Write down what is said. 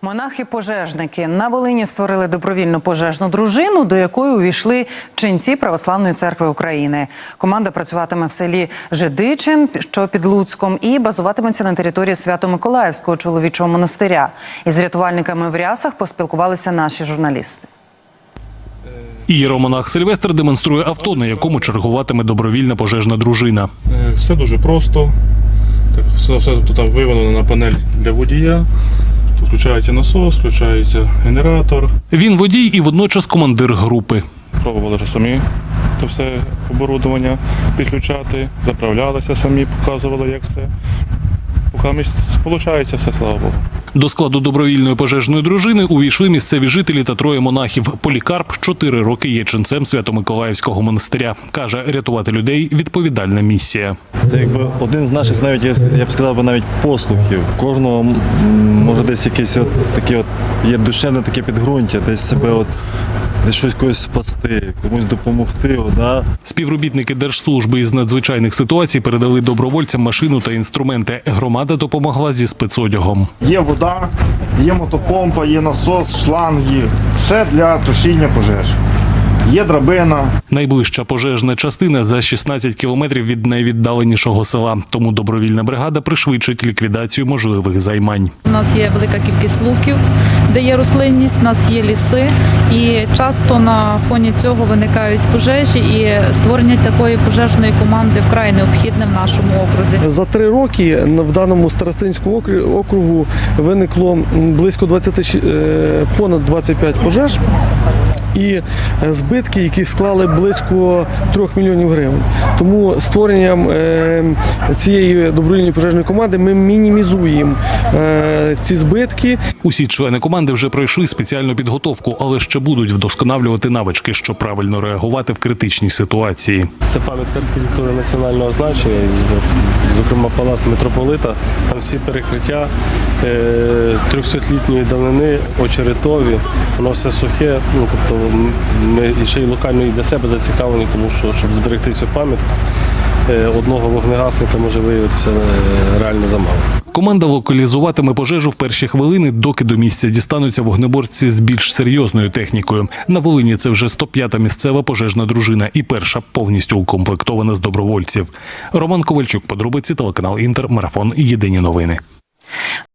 Монахи-пожежники на Волині створили добровільну пожежну дружину, до якої увійшли ченці Православної церкви України. Команда працюватиме в селі Жидичин, що під Луцьком, і базуватиметься на території Свято-Миколаївського чоловічого монастиря. Із рятувальниками в рясах поспілкувалися наші журналісти. Ієромонах Сильвестр демонструє авто, на якому чергуватиме добровільна пожежна дружина. Все дуже просто. Все тут виведено на панель для водія. Тут включається насос, включається генератор. Він водій і водночас командир групи. Пробували вже самі це все оборудовання підключати, заправлялися самі, показували, як все. Поки виходить все, слава Богу. До складу добровільної пожежної дружини увійшли місцеві жителі та троє монахів. Полікарп 4 роки є ченцем Свято-Миколаївського монастиря. Каже, рятувати людей – відповідальна місія. Це якби один з наших, навіть я б сказав, навіть послухів. В кожного може десь якесь таке є душевне таке підґрунтя, десь себе десь щось когось спасти, комусь допомогти. Да? Співробітники Держслужби із надзвичайних ситуацій передали добровольцям машину та інструменти. Громада допомогла зі спецодягом. Є вода, є мотопомпа, є насос, шланги. Все для тушіння пожеж. Є драбина. Найближча пожежна частина за 16 кілометрів від найвіддаленішого села. Тому добровільна бригада пришвидшить ліквідацію можливих займань. У нас є велика кількість луків, де є рослинність, у нас є ліси. І часто на фоні цього виникають пожежі. І створення такої пожежної команди вкрай необхідне в нашому окрузі. За 3 роки в даному старостинському округу виникло близько понад 25 пожеж. І збитки, які склали близько 3 мільйонів гривень. Тому створенням цієї добровільної пожежної команди ми мінімізуємо ці збитки. Усі члени команди вже пройшли спеціальну підготовку, але ще будуть вдосконалювати навички, щоб правильно реагувати в критичній ситуації. Це пам'ятка архітектури національного значення, зокрема палац митрополита. Там всі перекриття 300-літньої давнини, очеретові, воно все сухе. Тобто ми ще й локально і для себе зацікавлені, тому що, щоб зберегти цю пам'ятку, одного вогнегасника може виявитися реально замало. Команда локалізуватиме пожежу в перші хвилини, доки до місця дістануться вогнеборці з більш серйозною технікою. На Волині це вже 105-та місцева пожежна дружина і перша повністю укомплектована з добровольців. Роман Ковальчук, подробиці, телеканал Інтер, Марафон, Єдині новини.